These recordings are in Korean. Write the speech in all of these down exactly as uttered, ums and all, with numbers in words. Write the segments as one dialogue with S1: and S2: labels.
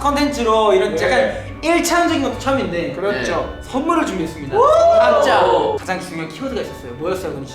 S1: 컨텐츠로 이런
S2: 네.
S1: 약간 일차원적인 것도 처음인데
S2: 그렇죠.
S1: 네. 선물을 준비했습니다. 각자 가장 중요한 키워드가 있었어요. 뭐였어요, 근희 씨?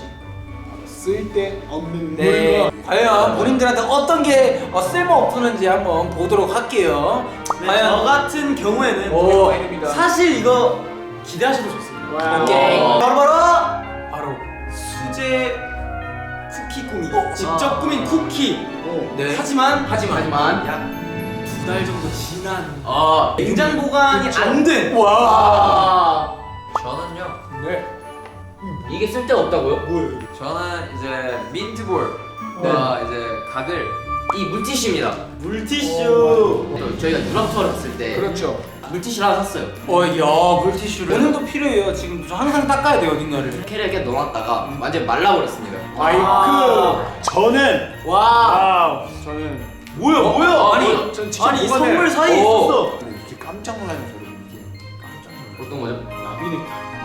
S2: 쓸데없는
S1: 네.
S2: 물건.
S1: 과연 본인들한테 어떤 게 어, 쓸모 없었는지 한번 보도록 할게요.
S3: 네,
S1: 과연
S3: 저 같은 경우에는
S1: 오.
S2: 아닙니다.
S3: 사실 이거 기대하셔도 좋습니다.
S2: 와우.
S1: 오케이. 바로 바로
S3: 바로 수제 쿠키 꾸미기.
S1: 어,
S3: 직접
S1: 아.
S3: 꾸민 쿠키.
S2: 오.
S1: 네.
S3: 하지만
S1: 하지만
S4: 하지만
S3: 약 두 달 정도 지난
S4: 아
S3: 냉장 보관이
S1: 그쵸.
S3: 안 된.
S1: 와.
S4: 아, 저는요
S2: 네.
S4: 이게 쓸데가 없다고요?
S2: 뭐예요 이게?
S4: 저는 이제 민트볼과 이제 각을 이 물티슈입니다.
S3: 물티슈.
S4: 또 저희가 유럽 투어를 갔을 때
S2: 그렇죠.
S4: 물티슈를 하나 샀어요.
S1: 어, 야, 물티슈를 오늘도 필요해요. 지금 저 항상 닦아야 돼요, 어딘가를.
S4: 이렇게 이렇게 넣어놨다가 완전 말라버렸습니다.
S2: 마이크.
S3: 아.
S2: 저는
S1: 와.
S2: 와우. 저는
S3: 뭐야
S4: 어?
S3: 뭐야?
S4: 아,
S3: 아니
S4: 뭐야?
S2: 전 진짜
S3: 아니 이
S2: 보관을-
S3: 선물 사이에
S4: 오.
S3: 있었어.
S2: 이렇게 깜짝 놀라는 소리 이게.
S4: 어떤 거죠?
S2: 나비는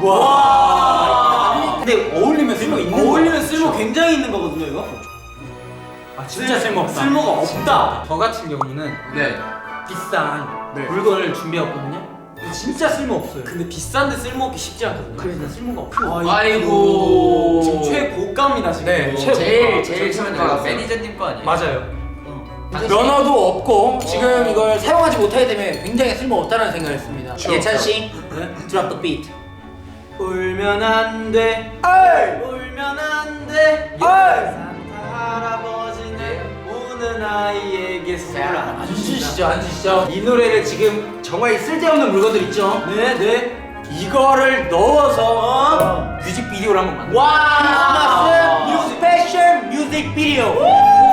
S3: 와.
S1: 근데 어울리면 쓸모 있는 거야.
S3: 어울리면 쓸모 굉장히 있는 거거든요 이거.
S1: 아, 진짜 쓸모 없다.
S3: 쓸모가 없다.
S1: 저 같은 경우는
S4: 네.
S1: 비싼
S2: 네.
S1: 물건을 준비했거든요. 진짜 쓸모 없어요.
S3: 근데 비싼데 쓸모 없기 쉽지 않거든요.
S1: 그래서 쓸모가 없어.
S4: 아이고.
S3: 지금 최고가입니다 지금.
S1: 네,
S3: 이거.
S1: 최고.
S4: 제일 제일
S2: 처음에
S4: 처음에
S2: 나왔어요.
S4: 매니저님 거 아니에요?
S1: 맞아요.
S4: 당신-
S1: 면허도 없고 지금 이걸 사용하지 못하게 되면 굉장히 쓸모 없다는 생각을 했습니다.
S2: 그렇죠.
S1: 예찬 씨, 드랍 더 비트.
S3: 울면 안 돼.
S1: 에이!
S3: 울면 안 돼.
S1: 에이!
S3: 산타 할아버지는 우는 아이에게 선물 안
S1: 앉으시죠, 앉으시죠. 이 노래를 지금 정말 쓸데없는 물건들 있죠?
S3: 네, 네.
S1: 이거를 넣어서 뮤직비디오를 한번 만들어.
S3: 와!
S1: 크리스마스 스페셜 뮤직비디오.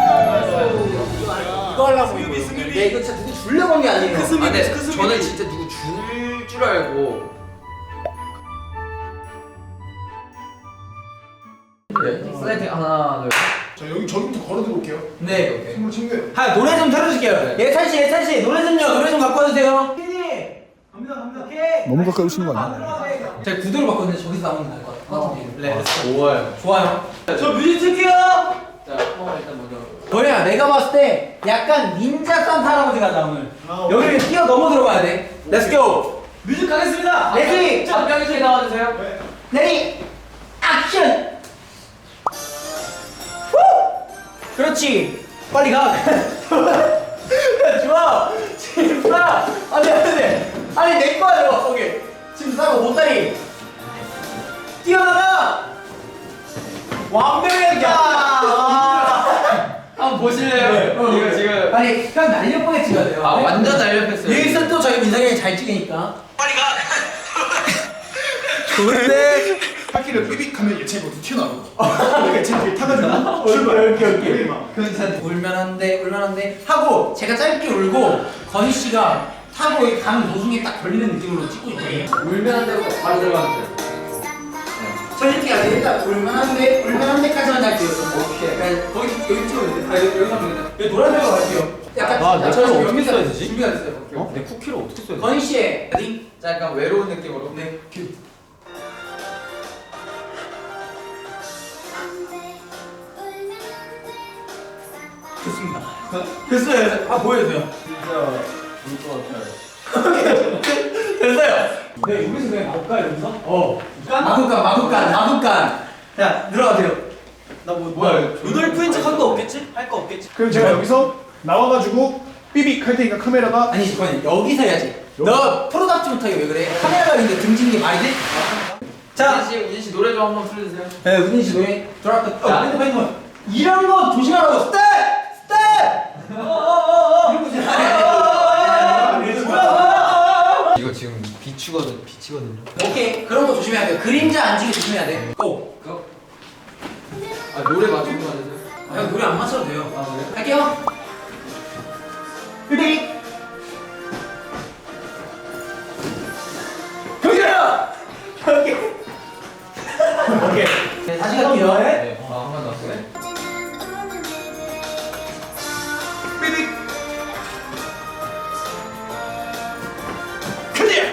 S1: 이거 하려고
S3: 스누비,
S1: 이거.
S3: 스누비.
S1: 네, 이거 진짜 누구 주려고 한 게 아니에요.
S3: 그 스누비.
S4: 아, 근데
S3: 그 스누비.
S4: 저는 진짜 누구 줄 줄 알고 네, 슬라이드 하나 둘
S2: 자 여기 저기부터 걸어들어 올게요.
S1: 네, 오케이.
S2: 선물 챙겨요.
S1: 하 노래 좀 틀어주실게요. 예찬 씨, 예찬 씨, 노래 좀요. 노래 좀 갖고 와주세요.
S3: 갑니다, 갑니다.
S1: 오케이.
S2: 너무 가까이 오시는 거 아니에요?
S1: 제가 구도를 바꿨는데 저기서 나오면 나을 것 같아요. 네,
S4: 좋아요.
S1: 좋아요.
S3: 저 뮤직 틀게요.
S4: 자, 어, 일단 먼저
S1: 뭐야, 내가 봤을 때 약간 닌자 산타 할아버지가 나 오늘.
S2: 아, 오케이.
S1: 여기를 뛰어 넘어 들어가야 돼. 렛츠 고.
S3: 뮤직 가겠습니다.
S1: 레디,
S4: 잠깐씩 나와주세요.
S1: 레디, 액션. 후! 그렇지. 빨리 가. 좋아. 지금 싸. 안돼 안돼. 아니 내 거야 이거 거기. 지금 싸고 못다리. 뛰어나가. 완벽했다.
S4: 한번 보실래요?
S1: 어,
S4: 이거 지금
S1: 아니 형 날렵하게 찍어야 돼요.
S4: 아 완전 날렵했어요.
S1: 여기서 또 저희 민석이 형이 잘 찍으니까. 빨리 가. 좋은데.
S2: 바퀴를 삐빅하면 예찬이 어디 튀어나오고. 예찬이 뒤에 타가지고 출발.
S1: 오케이 오케이.
S2: 막.
S1: 그래서 울면 안 돼, 울면 안 돼 하고 제가 짧게 울고 건희 씨가 타고 가는 도중에 딱 걸리는 느낌으로 찍고 있거든요.
S4: 울면 안 되고 바로 들어가면 돼요.
S1: 저 이렇게 해야 돼. 일단 울면 안 돼, 울면 안 돼까지만 할게요. 오케이. 약간 거기 여기 찍어야 돼. 아 여기 여기 하면 돼. 여기 노란색으로 갈게요. 약간
S3: 아, 내가
S1: 약간
S3: 이거 어떻게
S1: 준비가
S3: 써야
S1: 됐-
S3: 되지?
S1: 준비가 됐어요.
S3: 어? 내 쿠키를 어떻게 써야 돼?
S1: 건희 씨의 레디.
S4: 자, 약간 외로운 느낌으로.
S1: 네. 큐. 좋습니다. 됐어요. 아 보여주세요.
S4: 진짜 좋을 것 같아요.
S1: 됐어요. 네, 여기서 그냥 나올까 여기서? 어. 마구간, 마구간, 마구간. 자, 들어가세요.
S3: 나뭐 뭐야? 루돌프인 척 한 거 없겠지? 할 거 없겠지?
S2: 그럼 제가 여기서 나와가지고 삐빅 할 테니까 카메라가
S1: 아니, 잠깐만. 여기서 해야지. 너 프로답지 못하게 왜 그래? 카메라가 있는데 등지는 게 말이 돼?
S4: 자,
S1: 자,
S4: 우진 씨, 우진 씨 노래 좀 한번 틀어주세요.
S1: 네, 우진 씨 노래 들어왔다.
S4: 자.
S1: 어, 핸드폰, 핸드폰. 이런 거 조심하라고. 스텝! 스텝! 어어어어. 이런 거 조심하라고.
S4: 이거 지금 비추거든, 비치거든요.
S1: 오케이, 그런 거 조심해야 돼요. 그림자 안 지게 조심해야 돼. 고!
S4: 그거? 아 노래 맞추는 거 아니세요?
S1: 아, 형 노래 안 맞춰도 돼요.
S4: 아 그래?
S1: 할게요. 삐빅! 여기야! 여기! 오케이. 네, 다시 갈게요.
S4: 네. 아 한 번 더. 네.
S1: 삐빅! 클리어!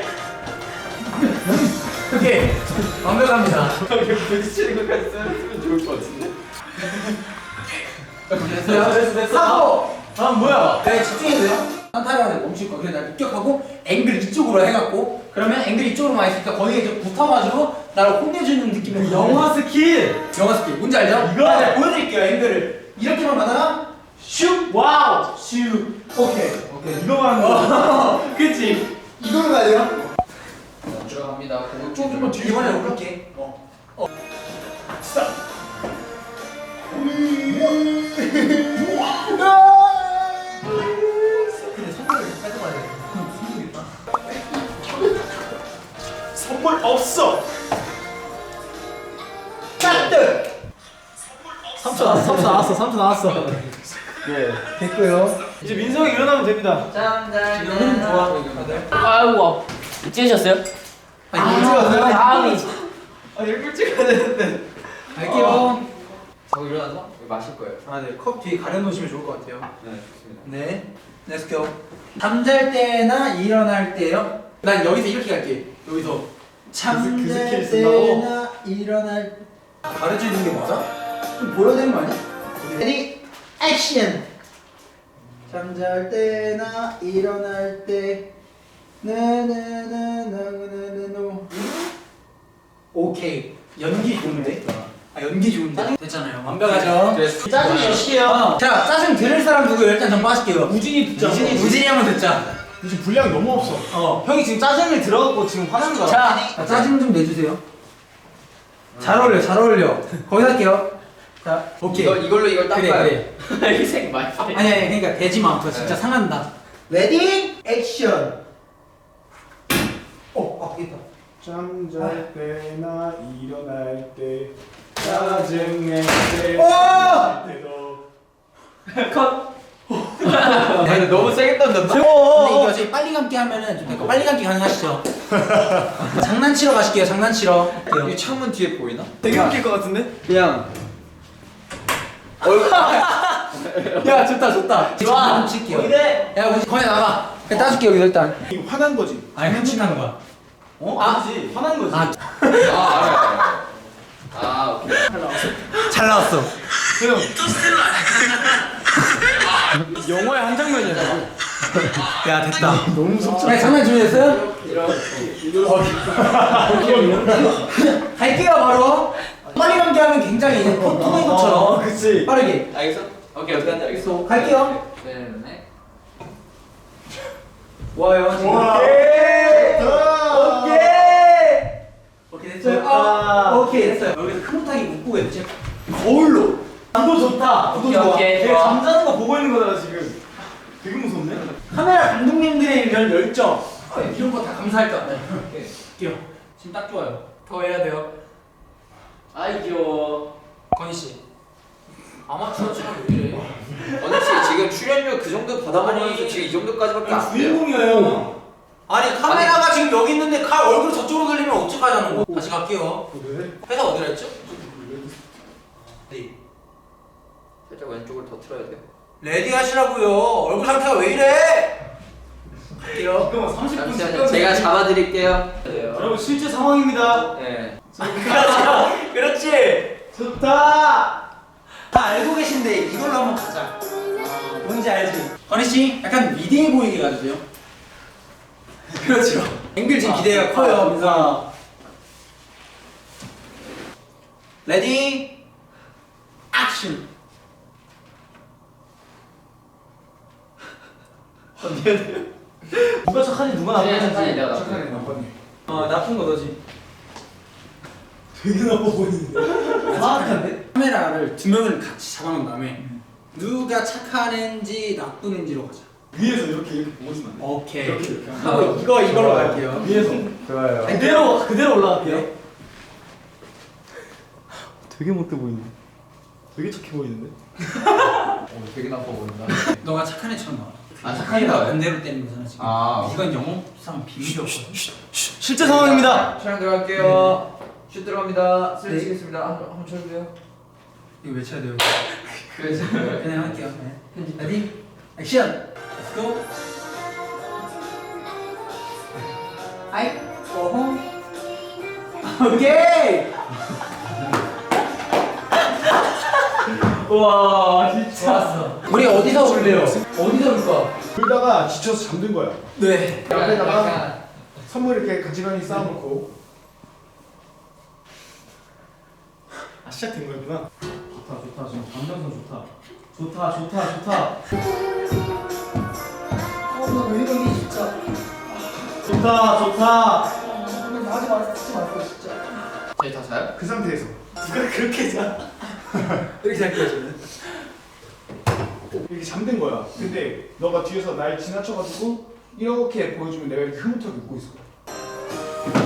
S1: 오케이. 완벽합니다.
S4: 이게 부딪히는 것까지 써주면 좋을 것 같은데.
S1: 됐어요? 됐어, 됐어. 하고!
S3: 아 뭐야?
S1: 네, 집중해주세요. 산타를 멈출 거야. 그래서 날 습격하고 앵글 이쪽으로 해갖고 그러면 앵글 이쪽으로 많이 있으니까 거기에 이제 붙어가지고 나를 혼내주는 느낌의
S3: 영화 스킬.
S1: 영화 스킬 뭔지 알죠?
S3: 이거!
S1: 아, 제가 보여드릴게요. 앵글을 이렇게만 가다가 슉 와우 슉 오케이
S3: 오케이 이거만 거.
S1: 그치 이걸로 가야 돼요?
S4: 들어갑니다. 그거
S2: 조금만 뒤로
S1: 이번에
S2: 가볼까?
S1: 올게 어. 어.
S2: 스탑.
S1: 근데 선물을 뺏어가야 돼 선물이다
S2: 선물 없어.
S1: 까뜨
S3: 삼 초 나왔어. 삼 초 나왔어. 삼 초 나왔어.
S2: 예.
S1: 됐고요
S3: 이제 민성이 일어나면 됩니다.
S1: 지금 좋아
S5: 아이고 찍으셨어요?
S1: 아니 이거 찍었어요?
S5: 다음이
S3: 아 일불 찍어야 되는데.
S1: 갈게요
S4: 저 일어나서 마실 거예요.
S1: 아네 컵 뒤에 가려놓으시면 좋을 것 같아요
S4: 네, 좋습니다.
S1: 네 Let's go 잠잘 때나 일어날 때요? 난 여기서 이렇게 갈게 여기서 잠잘
S3: 그 스킬을 쓴다고?
S1: 때나 일어날 가르쳐주는 게 맞아? 좀 보여야 되는 거 아니야? 레디 액션 잠잘 때나 일어날 때 나나나나나나노 오케이 연기 좋은데? 아 연기 좋은데? 됐잖아요 완벽하죠?
S3: 짜증 몇시게요?
S1: 자 짜증 들을 사람 누구예요? 일단 전 빠질게요
S3: 우진이 듣자.
S1: 우진이 우진이 한번 듣자
S2: 지금 분량이 너무 없어.
S1: 어
S3: 형이 지금 짜증을 들어갖고 지금 화난 거야.
S1: 자, 자, 짜증 좀 내주세요. 잘 어울려, 잘 어울려. 거기서 할게요. 자, 오케이.
S4: 이걸 이걸로 이걸
S1: 그래,
S4: 닦아요.
S1: 그래.
S5: 희생 많이
S1: 아니, 아니, 그러니까 되지 마. 그거 진짜 상한다. 레디, 액션. 어, 아, 되겠다.
S2: 잠잘 때나 일어날 때 짜증낼 때
S1: 오!
S2: 때도
S5: 컷.
S4: 아, 근데 너무 세게 던졌다.
S1: 근데 이거 어차피 빨리 감기 하면은 좀 될까? 빨리 감기 가능하시죠? 장난치러 가실게요, 장난치러.
S4: 이 창문 뒤에 보이나?
S3: 되게 웃길 것 같은데?
S4: 그냥
S1: 야, 좋다, 좋다.
S5: 좋아.
S1: 좀 칠게요.
S5: 이래.
S1: 야, 우리 거기 나가. 그냥 따줄게, 여기서 일단.
S2: 이거 화난 거지.
S1: 아니, 훔친다는 거야.
S3: 어?
S1: 아.
S3: 아니지. 화난 거지.
S1: 아,
S4: 아 알아요. 알아요. 아 오케이.
S1: 잘 나왔어.
S3: 형. 영화의 한 장면이야.
S1: 야, 됐다.
S2: 너무 속상.
S1: 네, 장난 준비됐어요? 갈게요 바로. 빨리 감기 하면 굉장히 토마토처럼
S3: 어, 그치.
S1: 빠르게.
S4: 알겠어? 오케이 어떻게 하는지 알겠어.
S1: 갈게요.
S4: 네, 네.
S1: 좋아요. 지금.
S2: 와.
S1: 오케이.
S2: 좋다.
S1: 오케이. 오케이 됐어요.
S3: 좋다.
S1: 아, 오케이 됐어요. 여기서 큰 못하게 묶고 이제 거울로.
S3: 구도 좋다. 구도
S5: 오케이,
S3: 좋아.
S5: 오케이,
S3: 되게
S5: 좋아.
S3: 잠자는 거 보고 있는 거잖아 지금. 되게 무섭네.
S1: 카메라 감독님들의 이런 열정. 어, 이런 거 다 감사할 것 같아요. 오케이. 갈게요. 지금 딱 좋아요. 더 해야 돼요.
S5: 아이 귀여워.
S1: 건희 씨. 아마추어처럼 왜 이래?
S4: 언니 씨 지금 출연료 그 정도 받아보면서
S1: 아니,
S4: 지금 이 정도까지밖에 안 돼요.
S3: 주인공이에요.
S1: 아니 카메라가 지금 여기 있는데 칼 얼굴 저쪽으로 돌리면 어떡하자는 거. 다시 갈게요.
S2: 그래?
S1: 회사 어디라 했죠? 네.
S4: 살짝 왼쪽을 더 틀어야 돼요.
S1: 레디 하시라고요. 얼굴 상태가 왜 이래? 갈게요.
S3: 잠깐만 삼십 분
S4: 잠시만요. 제가 잡아드릴게요.
S3: 여러분 실제 상황입니다.
S4: 네.
S1: 그렇지. 그렇지.
S3: 좋다.
S1: 다 알고 계신데 이걸로 한번 가자. 아, 뭔지 알지? 건희 씨, 약간 위대해 보이게 가주세요. 그렇죠. 앵글 지금 기대가 커요, 민서. 레디, 액션.
S3: 누가 착하니 누가
S5: 네,
S3: 나쁜지.
S5: 착하니 내가
S2: 착하네
S5: 나쁜.
S2: 나빴네.
S1: 어, 나쁜 거 너지.
S3: 되게 나빠 보이는데. 사악한데?
S1: 카메라를 두 명을 같이 잡아놓은 다음에 누가 착한 애인지 나쁜 애인지로 가자.
S3: 위에서 이렇게 이렇게 보고 있으면 안 돼.
S1: 오케이.
S3: 이렇게 이렇게.
S1: 하고 이거 이걸로 갈게요.
S3: 위에서
S2: 좋아요.
S3: 그대로 그대로 올라갈게요. 되게 못돼 보이는데. 되게 착해 보이는데.
S4: 어, 되게 나빠 보인다.
S1: 너가 착한 애처럼 나와.
S4: 아, 착한 애가 왜?
S1: 반대로 때리는 거잖아 지금.
S4: 아.
S1: 이건 영업상 비밀이었거든.
S3: 실제 상황입니다.
S4: 촬영 들어갈게요. 슛 들어갑니다. 슬
S1: 네.
S4: 치겠습니다. 한- 한번 쳐주세요.
S1: 이거 외쳐야 돼요.
S4: 그래서
S1: 그냥 할게요. 네. 레디, 액션. Let's go. 아이, 어허. 오케이.
S3: 와 진짜.
S1: 좋았어. 우리 어디서 올래요? 어디서 올까?
S2: 그러다가 지쳐서 잠든 거야.
S1: 네.
S2: 옆에다가 선물 이렇게 가지런히 쌓아놓고. 아 시작된 거구나.
S3: 좋다 좋다 지금 감정선 좋다. 좋다 좋다 좋다.
S1: 어나왜 이러니 진짜.
S3: 좋다 좋다.
S1: 하지 마, 하지 말고 진짜.
S4: 저희 다 자요?
S2: 그 상태에서
S1: 누가 그렇게 자? 이렇게 잘게요 저는.
S2: 이렇게 잠든 거야. 근데 너가 뒤에서 날 지나쳐가지고 이렇게 보여주면 내가 이렇게 흐뭇하게 웃고 있을 거야.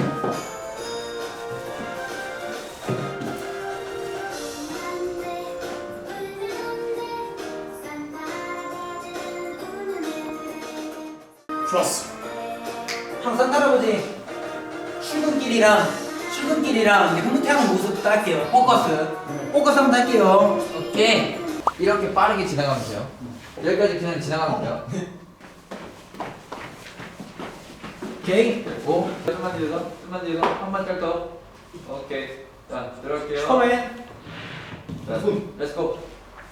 S2: 좋았어.
S1: 항상 할아버지 출근길이랑 출근길이랑 이제 흐뭇해하는 모습 딸게요. 포커스. 포커스 한번 딸게요.
S4: 오케이. 이렇게 빠르게 지나가면 돼요. 여기까지 그냥 지나가면 돼요.
S1: 오케이.
S4: 오, 좀만 뒤에서, 좀만 뒤에서 한 발짝 더. 오케이. 자, 들어갈게요.
S1: 처음에
S4: 자, 렛츠고.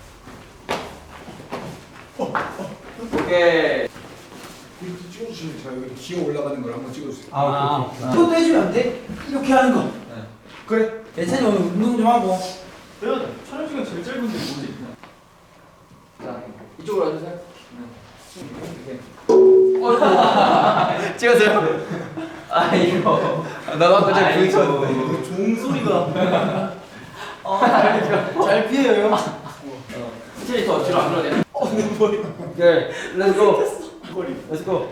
S4: 오케이.
S2: 이렇게 찍어주시면 제가 여기 기어 올라가는 걸 한번 찍어주세요.
S3: 아 오케이. 오케이.
S1: 이것도 해주면 안 돼? 이렇게 하는 거.
S2: 그래.
S1: 예찬이 오늘 운동 좀 하고.
S3: 내가 촬영 시간 제일 짧은데 뭐지?
S4: 자, 이쪽으로 와주세요. 네. 찍었어요? 아, 이거. 나가 갑자기 부딪혔는데
S3: 종 소리가.
S1: 잘 피해요.
S4: 스테이 더 뒤로 안 들어야 돼. 네, 렛츠고.
S2: 거리.
S3: 렛츠고.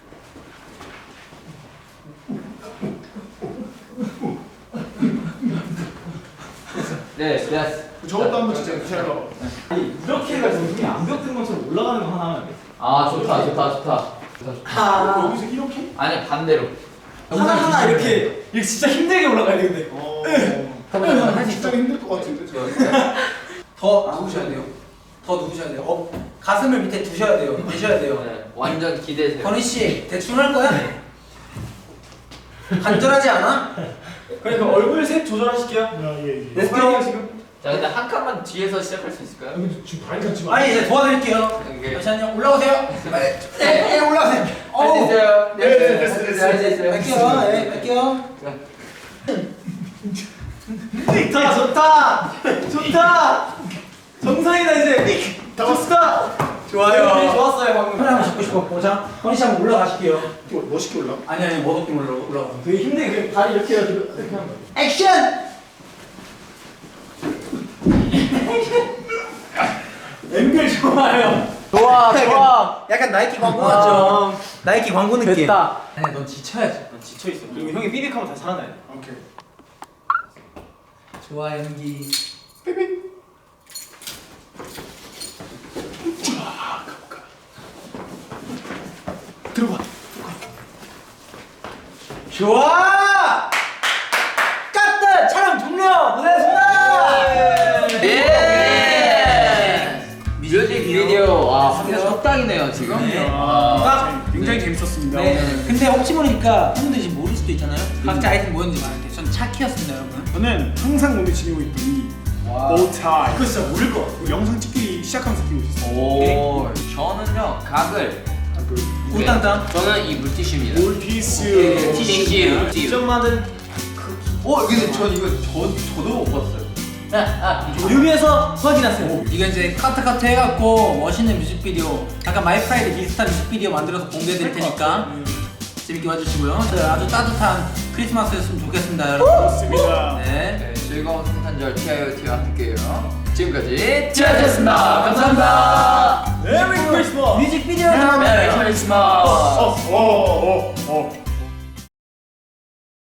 S4: 네, 됐어.
S2: 저것도 한번 진짜 제가
S3: 아니 이렇게 해가지고 눈이 안 벽든 것처럼 올라가는 거 하나 하면 돼.
S4: 아, 좋다, 좋다, 좋다.
S1: 아.
S2: 여기서 이렇게?
S4: 아니, 반대로.
S3: 하나 하나 이렇게 이렇게 진짜 힘들게 올라가야 되는데.
S2: 어.
S1: 할수
S2: 진짜
S1: 있어.
S2: 힘들 것 같은데. 저.
S1: 더 누우셔야 돼요. 더 누우셔야 돼요. 어, 가슴을 밑에 두셔야 돼요. 내셔야 돼요.
S4: 네, 완전 기대세요.
S1: 건희 씨 대충 할 거야? 간절하지 않아?
S3: 그러니까 얼굴 색 조절하실게요.
S2: 야, 예, 예.
S1: Let's go.
S3: 지금.
S4: 자, 근데 한 칸만 뒤에서 시작할 수 있을까요?
S2: 근데 지금 발이 닿지 마.
S1: 아니 이제 도와드릴게요.
S4: 오케이.
S1: 잠시만요. 올라오세요. 네, 네, 올라오세요.
S4: 할 수
S1: 어우.
S4: 있어요.
S2: 네, 네, 됐어, 됐어.
S4: 할수 있어요.
S1: 갈게요. 네, 갈게요.
S3: 좋다 좋다 좋다. 정상이다 이제.
S2: 다 왔어.
S3: 좋다.
S1: 좋아요.
S3: 네, 좋았어요 방금.
S1: 카메라 한번 잡고 싶었고, 자, 건희 씨 한번 올라가실게요.
S2: 또 멋있게 올라.
S1: 아니 아니 머독기 올라 올라가.
S3: 되게 힘들게 그냥 다리 이렇게 해가지고 이렇게 하는 거야.
S1: 액션.
S3: 앵글 좋아요. 좋아 좋아.
S1: 약간 나이키 광고
S3: 아,
S1: 같죠? 나이키 광고 느낌.
S3: 됐다.
S1: 아니 넌 지쳐야지.
S3: 난 지쳐 있어. 그리고 형이 삐빅하면 다시 살아나야 돼.
S2: 오케이.
S1: 좋아 연기.
S2: 삐삐. 들어가.
S1: 좋아. 까뜨 촬영 종료. 고생하셨습니다.
S4: 예! 뮤직 비디오. 와, 한명 석 당이네요, 지금.
S1: 네.
S2: 아, 굉장히 재밌었습니다.
S1: 네. 근데 혹시 모르니까 형님들이 지금 모를 수도 있잖아요. 각자 아이템 뭐였는지 말할게요. 전 차키였습니다, 여러분.
S2: 저는 항상 몸에 지니고 있던 이 보타이.
S3: 그거 진짜 모를 것 같아.
S2: 영상 찍기 시작하면서 끼고 있었어요.
S4: 오, 저는요, 각을.
S1: 꿀땅땅.
S4: 저는 이 물티슈입니다.
S2: 올피스.
S4: 티슈.
S3: 직접
S4: 티슈.
S3: 만든
S4: 어, 근데 전 이거 저, 저도 못 봤어요.
S3: 뮤비에서 확인하세요.
S1: 이거 이제 카트 카트 해갖고 멋있는 뮤직비디오, 약간 마이프라이드 비슷한 뮤직비디오 만들어서 공개해드릴 테니까 재밌게 봐주시고요. 네, 아주 따뜻한 크리스마스였으면 좋겠습니다, 여러분.
S2: 좋습니다.
S1: 네.
S4: 네, 즐거운 성탄절 티아이오티와 함께요. 지금까지 티아이오티였습니다. 감사합니다.
S3: 메리 크리스마스.
S1: 뮤직비디오
S4: 메리
S1: 나오면
S4: 크리스마스.
S2: 어, 어, 어.